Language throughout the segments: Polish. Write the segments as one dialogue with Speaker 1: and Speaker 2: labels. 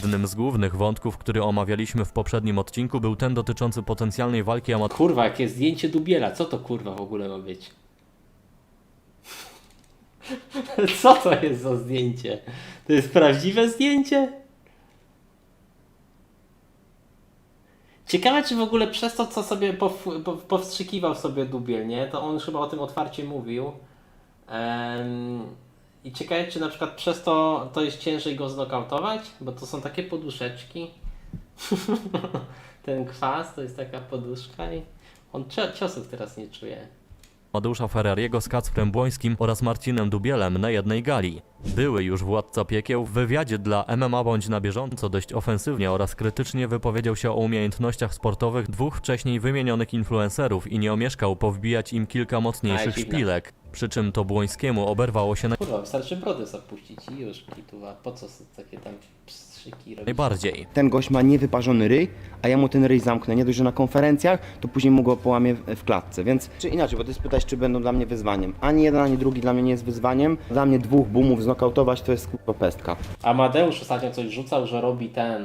Speaker 1: Jednym z głównych wątków, który omawialiśmy w poprzednim odcinku, był ten dotyczący potencjalnej walki
Speaker 2: Kurwa, jakie zdjęcie Dubiela, co to kurwa w ogóle ma być? Co to jest za zdjęcie? To jest prawdziwe zdjęcie? Ciekawe, czy w ogóle przez to, co sobie powstrzykiwał sobie Dubiel, nie? To on już chyba o tym otwarcie mówił. I ciekawe, czy na przykład przez to jest ciężej go znokautować? Bo to są takie poduszeczki. Ten kwas to jest taka poduszka i on ciosów teraz nie czuje.
Speaker 1: Amadeusza Ferrariego z Kacprem Błońskim oraz Marcinem Dubielem na jednej gali. Były już władca piekieł w wywiadzie dla MMA Bądź na bieżąco dość ofensywnie oraz krytycznie wypowiedział się o umiejętnościach sportowych dwóch wcześniej wymienionych influencerów i nie omieszkał powbijać im kilka mocniejszych szpilek. Przy czym to Błońskiemu oberwało się
Speaker 2: Kurwa, wystarczy brodę zapuścić i już kituwa. Po co takie tam pstrzyki robić?
Speaker 1: najbardziej.
Speaker 3: Ten gość ma niewyparzony ryj, a ja mu ten ryj zamknę. Nie dość, że na konferencjach, to później mu go połamię w klatce. Więc, czy inaczej, bo ty spytałeś, czy będą dla mnie wyzwaniem. Ani jeden, ani drugi dla mnie nie jest wyzwaniem. Dla mnie dwóch boomów znokautować to jest kurwa pestka.
Speaker 2: Amadeusz ostatnio coś rzucał, że robi ten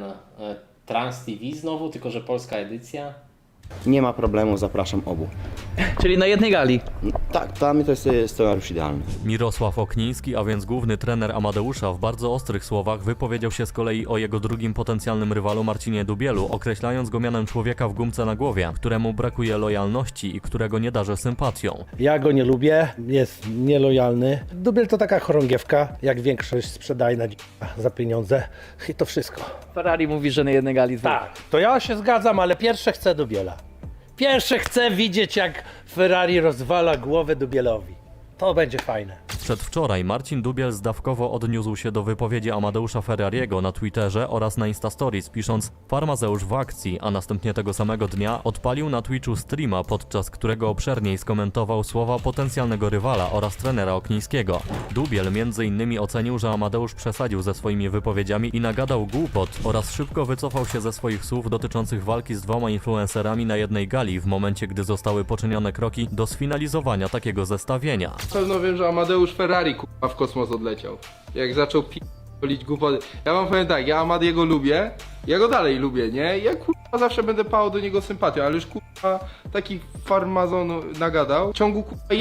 Speaker 2: Trans TV znowu, tylko że polska edycja.
Speaker 3: Nie ma problemu, zapraszam obu.
Speaker 4: Czyli na jednej gali.
Speaker 3: Tak, dla mnie to jest scenariusz idealny.
Speaker 1: Mirosław Okniński, a więc główny trener Amadeusza, w bardzo ostrych słowach wypowiedział się z kolei o jego drugim potencjalnym rywalu Marcinie Dubielu, określając go mianem człowieka w gumce na głowie, któremu brakuje lojalności i którego nie darzę sympatią.
Speaker 5: Ja go nie lubię, jest nielojalny. Dubiel to taka chorągiewka, jak większość sprzedajna za pieniądze i to wszystko.
Speaker 4: Ferrari mówi, że na jednej gali dwóch.
Speaker 5: Tak, to ja się zgadzam, ale pierwsze chcę Dubiela. Pierwsze chcę widzieć, jak Ferrari rozwala głowę Dubielowi. To będzie fajne.
Speaker 1: Przedwczoraj Marcin Dubiel zdawkowo odniósł się do wypowiedzi Amadeusza Ferrariego na Twitterze oraz na Instastories, pisząc Farmazeusz w akcji, a następnie tego samego dnia odpalił na Twitchu streama, podczas którego obszerniej skomentował słowa potencjalnego rywala oraz trenera Oknińskiego. Dubiel m.in. ocenił, że Amadeusz przesadził ze swoimi wypowiedziami i nagadał głupot oraz szybko wycofał się ze swoich słów dotyczących walki z dwoma influencerami na jednej gali w momencie, gdy zostały poczynione kroki do sfinalizowania takiego zestawienia.
Speaker 6: Na pewno wiem, że Amadeusz Ferrari kurwa w kosmos odleciał. Jak zaczął p***lić głupoty. Ja wam powiem tak, ja Amadiego lubię, ja go dalej lubię, nie? Ja kurwa zawsze będę pałał do niego sympatią, ale już kurwa taki farmazon nagadał. W ciągu kurwa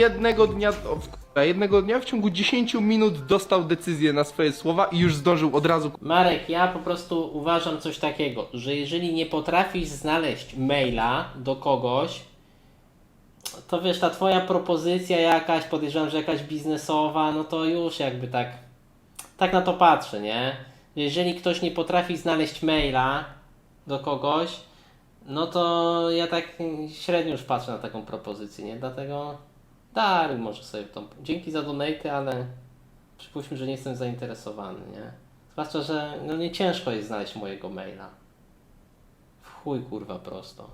Speaker 6: jednego dnia w ciągu 10 minut dostał decyzję na swoje słowa i już zdążył od razu.
Speaker 2: Marek, ja po prostu uważam coś takiego, że jeżeli nie potrafisz znaleźć maila do kogoś, to wiesz, ta twoja propozycja jakaś, podejrzewam, że jakaś biznesowa, no to już jakby tak na to patrzę, nie? Jeżeli ktoś nie potrafi znaleźć maila do kogoś, no to ja tak średnio już patrzę na taką propozycję, nie? Dlatego daruj może sobie tą... Dzięki za donaty, ale przypuśćmy, że nie jestem zainteresowany, nie? Zwłaszcza, że no nie ciężko jest znaleźć mojego maila. W chuj kurwa prosto.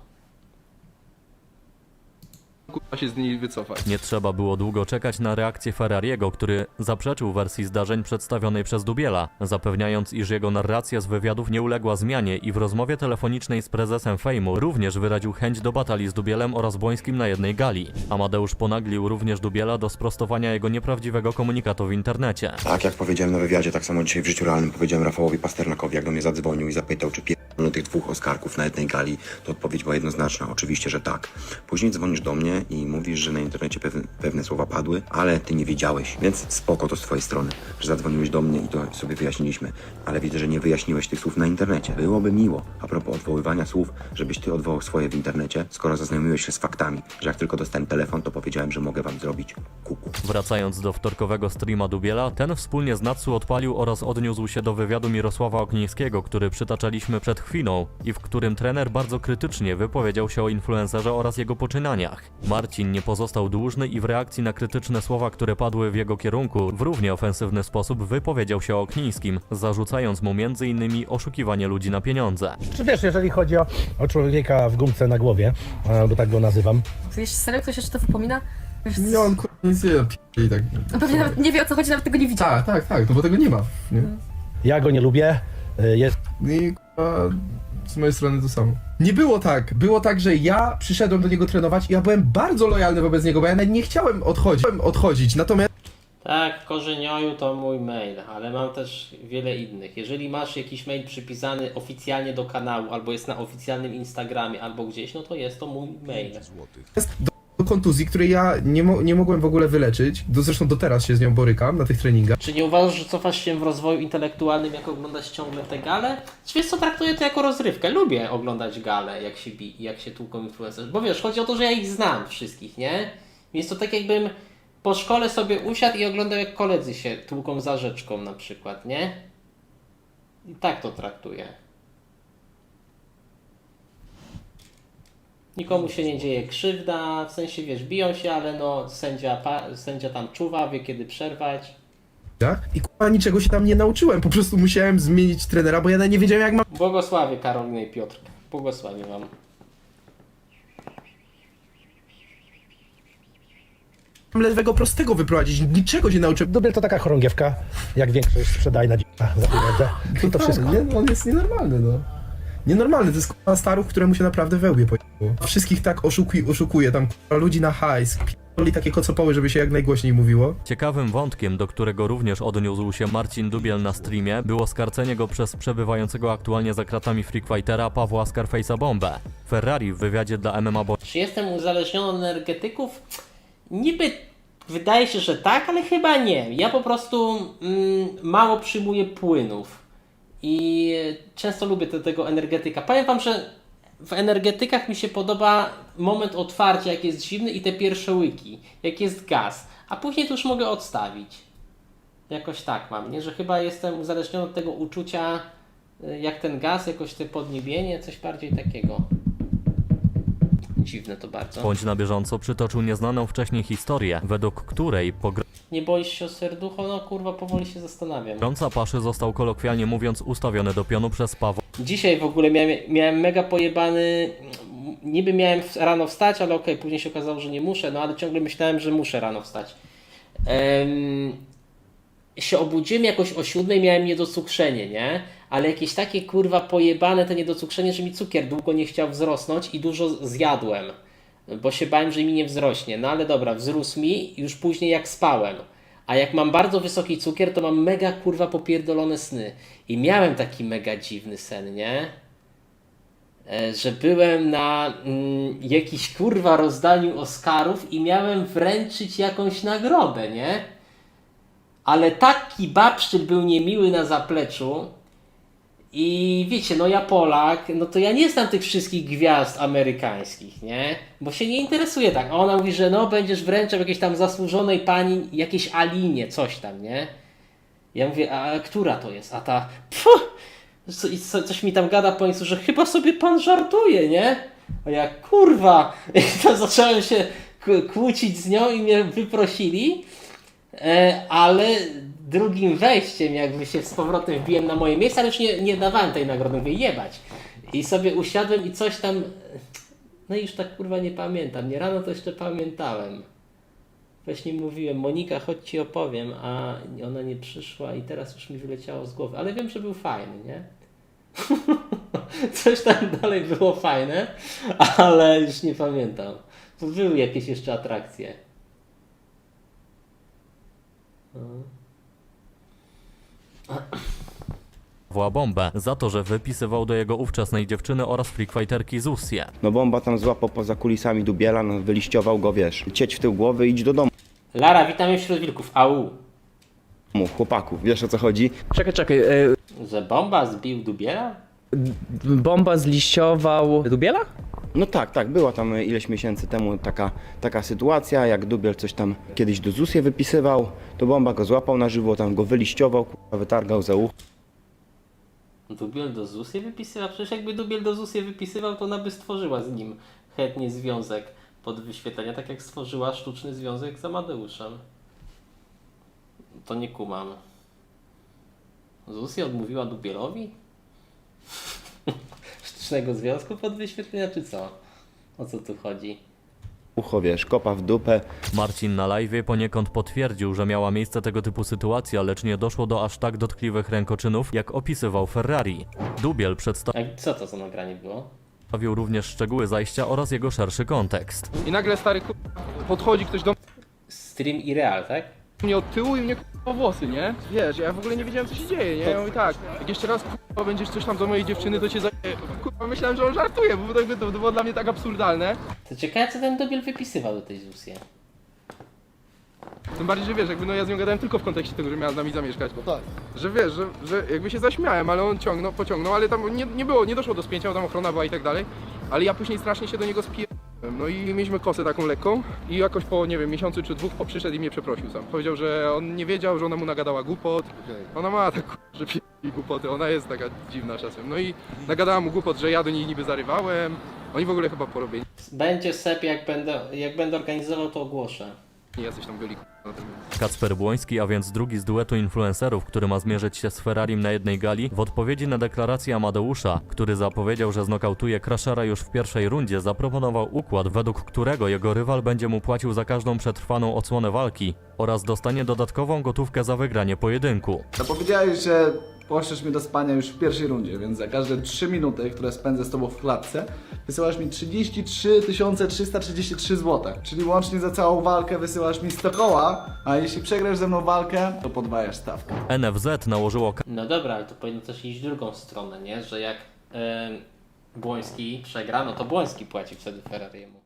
Speaker 6: Kurwa się z niej wycofać.
Speaker 1: Nie trzeba było długo czekać na reakcję Ferrariego, który zaprzeczył wersji zdarzeń przedstawionej przez Dubiela, zapewniając, iż jego narracja z wywiadów nie uległa zmianie i w rozmowie telefonicznej z prezesem Fejmu również wyraził chęć do batalii z Dubielem oraz Błońskim na jednej gali. Amadeusz ponaglił również Dubiela do sprostowania jego nieprawdziwego komunikatu w internecie.
Speaker 3: Tak jak powiedziałem na wywiadzie, tak samo dzisiaj w życiu realnym powiedziałem Rafałowi Pasternakowi, jak do mnie zadzwonił i zapytał, czy tych dwóch Oskarków na jednej gali, to odpowiedź była jednoznaczna, oczywiście, że tak. Później dzwonisz do mnie i mówisz, że na internecie pewne słowa padły, ale ty nie wiedziałeś, więc spoko to z twojej strony, że zadzwoniłeś do mnie i to sobie wyjaśniliśmy, ale widzę, że nie wyjaśniłeś tych słów na internecie. Byłoby miło, a propos odwoływania słów, żebyś ty odwołał swoje w internecie, skoro zaznajomiłeś się z faktami, że jak tylko dostałem telefon, to powiedziałem, że mogę wam zrobić kuku.
Speaker 1: Wracając do wtorkowego streama Dubiela, ten wspólnie z Natsu odpalił oraz odniósł się do wywiadu Mirosława Oknińskiego, który przytaczaliśmy przed chwilą i w którym trener bardzo krytycznie wypowiedział się o influencerze oraz jego poczynaniach. Marcin nie pozostał dłużny i w reakcji na krytyczne słowa, które padły w jego kierunku, w równie ofensywny sposób wypowiedział się o Oknińskim, zarzucając mu m.in. oszukiwanie ludzi na pieniądze.
Speaker 5: Czy wiesz, jeżeli chodzi o człowieka w gumce na głowie, bo tak go nazywam.
Speaker 7: Wiesz, serio ktoś jeszcze to wypomina? Wiesz,
Speaker 8: Nie, on kurwa nic nie i tak.
Speaker 7: on pewnie nawet nie wie, o co chodzi, nawet tego nie widział.
Speaker 8: Tak, no bo tego nie ma. Nie?
Speaker 5: Ja go nie lubię, jest...
Speaker 8: I kurwa, z mojej strony to samo. Nie było tak. Było tak, że ja przyszedłem do niego trenować i ja byłem bardzo lojalny wobec niego, bo ja nawet nie chciałem odchodzić. Natomiast
Speaker 2: Tak, Korzenioju to mój mail, ale mam też wiele innych. Jeżeli masz jakiś mail przypisany oficjalnie do kanału, albo jest na oficjalnym Instagramie, albo gdzieś, no to jest to mój mail.
Speaker 8: Do kontuzji, której ja nie mogłem w ogóle wyleczyć. Zresztą do teraz się z nią borykam na tych treningach.
Speaker 2: Czy nie uważasz, że cofasz się w rozwoju intelektualnym, jak oglądasz ciągle te gale? Czy wiesz co, traktuję to jako rozrywkę. Lubię oglądać gale, jak się tłuką influencerzy. Bo wiesz, chodzi o to, że ja ich znam wszystkich, nie? Więc to tak jakbym po szkole sobie usiadł i oglądał, jak koledzy się tłuką za rzeczką na przykład, nie? I tak to traktuję. Nikomu się nie dzieje krzywda, w sensie wiesz, biją się, ale no sędzia tam czuwa, wie kiedy przerwać.
Speaker 8: I kurwa niczego się tam nie nauczyłem. Po prostu musiałem zmienić trenera, bo ja nawet nie wiedziałem jak mam
Speaker 2: Błogosławię Karolinę i Piotr. Błogosławię wam.
Speaker 8: lewego prostego wyprowadzić. Niczego się nauczyłem.
Speaker 5: Dubiel to taka chorągiewka, jak większość sprzedajna za pieniądze. I to wszystko.
Speaker 8: Nie, on jest nienormalny, no. Nienormalny, to jest kurwa starów, któremu się naprawdę wełbie pojechało. Wszystkich tak oszukuje tam kurwa ludzi na hajs. P***li takie kocopoły, żeby się jak najgłośniej mówiło.
Speaker 1: Ciekawym wątkiem, do którego również odniósł się Marcin Dubiel na streamie, było skarcenie go przez przebywającego aktualnie za kratami Freak Fightera Pawła Scarface'a Bombę. Ferrari w wywiadzie dla MMA
Speaker 2: Czy jestem uzależniony od energetyków? Niby wydaje się, że tak, ale chyba nie. Ja po prostu mało przyjmuję płynów. I często lubię tego energetyka. Powiem wam, że w energetykach mi się podoba moment otwarcia, jak jest zimny i te pierwsze łyki, jak jest gaz. A później to już mogę odstawić. Jakoś tak mam, nie? Że chyba jestem uzależniony od tego uczucia, jak ten gaz, jakoś te podniebienie, coś bardziej takiego. Dziwne to bardzo.
Speaker 1: bądź na bieżąco przytoczył nieznaną wcześniej historię, według której
Speaker 2: Nie boisz się o serducho? No kurwa, powoli się zastanawiam.
Speaker 1: pogromca paszy został kolokwialnie mówiąc ustawiony do pionu przez Pawła
Speaker 2: Dzisiaj w ogóle miałem mega pojebany. Niby miałem rano wstać, ale okej, później się okazało, że nie muszę, no ale ciągle myślałem, że muszę rano wstać. Się obudziłem jakoś o 7, miałem niedocukrzenie, nie? Ale jakieś takie kurwa pojebane te niedocukrzenie, że mi cukier długo nie chciał wzrosnąć i dużo zjadłem, bo się bałem, że mi nie wzrośnie. No ale dobra, wzrósł mi już później jak spałem. A jak mam bardzo wysoki cukier, to mam mega kurwa popierdolone sny. I miałem taki mega dziwny sen, nie? Że byłem na jakiś kurwa rozdaniu Oscarów i miałem wręczyć jakąś nagrodę, nie? Ale taki babszczyk był niemiły na zapleczu i wiecie, no ja Polak, no to ja nie znam tych wszystkich gwiazd amerykańskich, nie? Bo się nie interesuje tak. A ona mówi, że no będziesz wręczał jakiejś tam zasłużonej pani, jakiejś Alinie, coś tam, nie? Ja mówię, a która to jest? A ta, coś mi tam gada po niej, że chyba sobie pan żartuje, nie? A ja, kurwa, i to zacząłem się kłócić z nią i mnie wyprosili. Ale drugim wejściem jakby się z powrotem wbiłem na moje miejsce, ale już nie dawałem tej nagrody, mówię jebać. I sobie usiadłem i coś tam, no i już tak kurwa nie pamiętam, nie rano to jeszcze pamiętałem. Właśnie mówiłem, Monika chodź ci opowiem, a ona nie przyszła i teraz już mi wyleciało z głowy, ale wiem, że był fajny, nie? Coś tam dalej było fajne, ale już nie pamiętam. To były jakieś jeszcze atrakcje.
Speaker 1: Bombę za to, że wypisywał do jego ówczesnej dziewczyny oraz freakfighterki Zusię.
Speaker 3: No Bomba tam złapał poza kulisami Dubiela, no wyliściował go, wiesz, cieć w tył głowy, idź do domu,
Speaker 2: Lara, witamy wśród wilków. Au.
Speaker 3: chłopaku, wiesz o co chodzi?
Speaker 4: Czekaj,
Speaker 2: Że Bomba zbił Dubiela?
Speaker 4: Bomba zliściował Dubiela?
Speaker 3: No tak, była tam ileś miesięcy temu taka sytuacja, jak Dubiel coś tam kiedyś do ZUS-ie wypisywał, to Bomba go złapał na żywo, tam go wyliściował, wytargał za ucho.
Speaker 2: Dubiel do ZUS-ie wypisywał? Przecież jakby Dubiel do ZUS-ie wypisywał, to ona by stworzyła z nim chętnie związek pod wyświetlenia, tak jak stworzyła sztuczny związek z Amadeuszem. To nie kumam. ZUS-ie odmówiła Dubielowi? Sztucznego związku pod wyświetlenia, czy co? O co tu chodzi?
Speaker 3: Ucho, wiesz, kopa w dupę.
Speaker 1: Marcin na live'ie poniekąd potwierdził, że miała miejsce tego typu sytuacja, lecz nie doszło do aż tak dotkliwych rękoczynów, jak opisywał Ferrari. Dubiel przedstawił
Speaker 2: A co to za nagranie było?
Speaker 1: również szczegóły zajścia oraz jego szerszy kontekst.
Speaker 6: I nagle stary podchodzi ktoś do
Speaker 2: Stream i real, tak?
Speaker 6: mnie od tyłu i mnie o włosy, nie? Wiesz, ja w ogóle nie wiedziałem co się dzieje, nie? Ja mówię tak, jak jeszcze raz kurwa będziesz coś tam do mojej dziewczyny, to cię kurwa, myślałem, że on żartuje, bo to było dla mnie tak absurdalne.
Speaker 2: To ciekawe, co ten Dubiel wypisywał do tej Zusie.
Speaker 6: Tym bardziej, że wiesz, jakby no ja z nią gadałem tylko w kontekście tego, że miała z nami zamieszkać. No tak. Że wiesz, że jakby się zaśmiałem, ale on pociągnął, ale tam nie doszło do spięcia, bo tam ochrona była i tak dalej. Ale ja później strasznie się do niego spierdoliłem. No i mieliśmy kosę taką lekką i jakoś po, nie wiem, miesiącu czy dwóch przyszedł i mnie przeprosił sam. Powiedział, że on nie wiedział, że ona mu nagadała głupot. Ona ma tak, że pierdoli głupoty, ona jest taka dziwna czasem. No i nagadała mu głupot, że ja do niej niby zarywałem. Oni w ogóle chyba porobieni.
Speaker 2: Będzie sep, jak będę organizował, to ogłoszę.
Speaker 6: Jacyś tam byli na tym.
Speaker 1: Kacper Błoński, a więc drugi z duetu influencerów, który ma zmierzyć się z Ferrarim na jednej gali, w odpowiedzi na deklarację Amadeusza, który zapowiedział, że znokautuje Crashera już w pierwszej rundzie, zaproponował układ, według którego jego rywal będzie mu płacił za każdą przetrwaną odsłonę walki oraz dostanie dodatkową gotówkę za wygranie pojedynku.
Speaker 9: Zapowiedziałeś, że poszczesz mnie do spania już w pierwszej rundzie, więc za każde 3 minuty, które spędzę z tobą w klatce, wysyłasz mi 33 333 zł. Czyli łącznie za całą walkę wysyłasz mi 100 koła, a jeśli przegrasz ze mną walkę, to podwajasz stawkę.
Speaker 1: NFZ nałożyło
Speaker 2: No dobra, ale to powinno też iść w drugą stronę, nie? Że jak Błoński przegra, no to Błoński płaci wtedy Ferrariemu.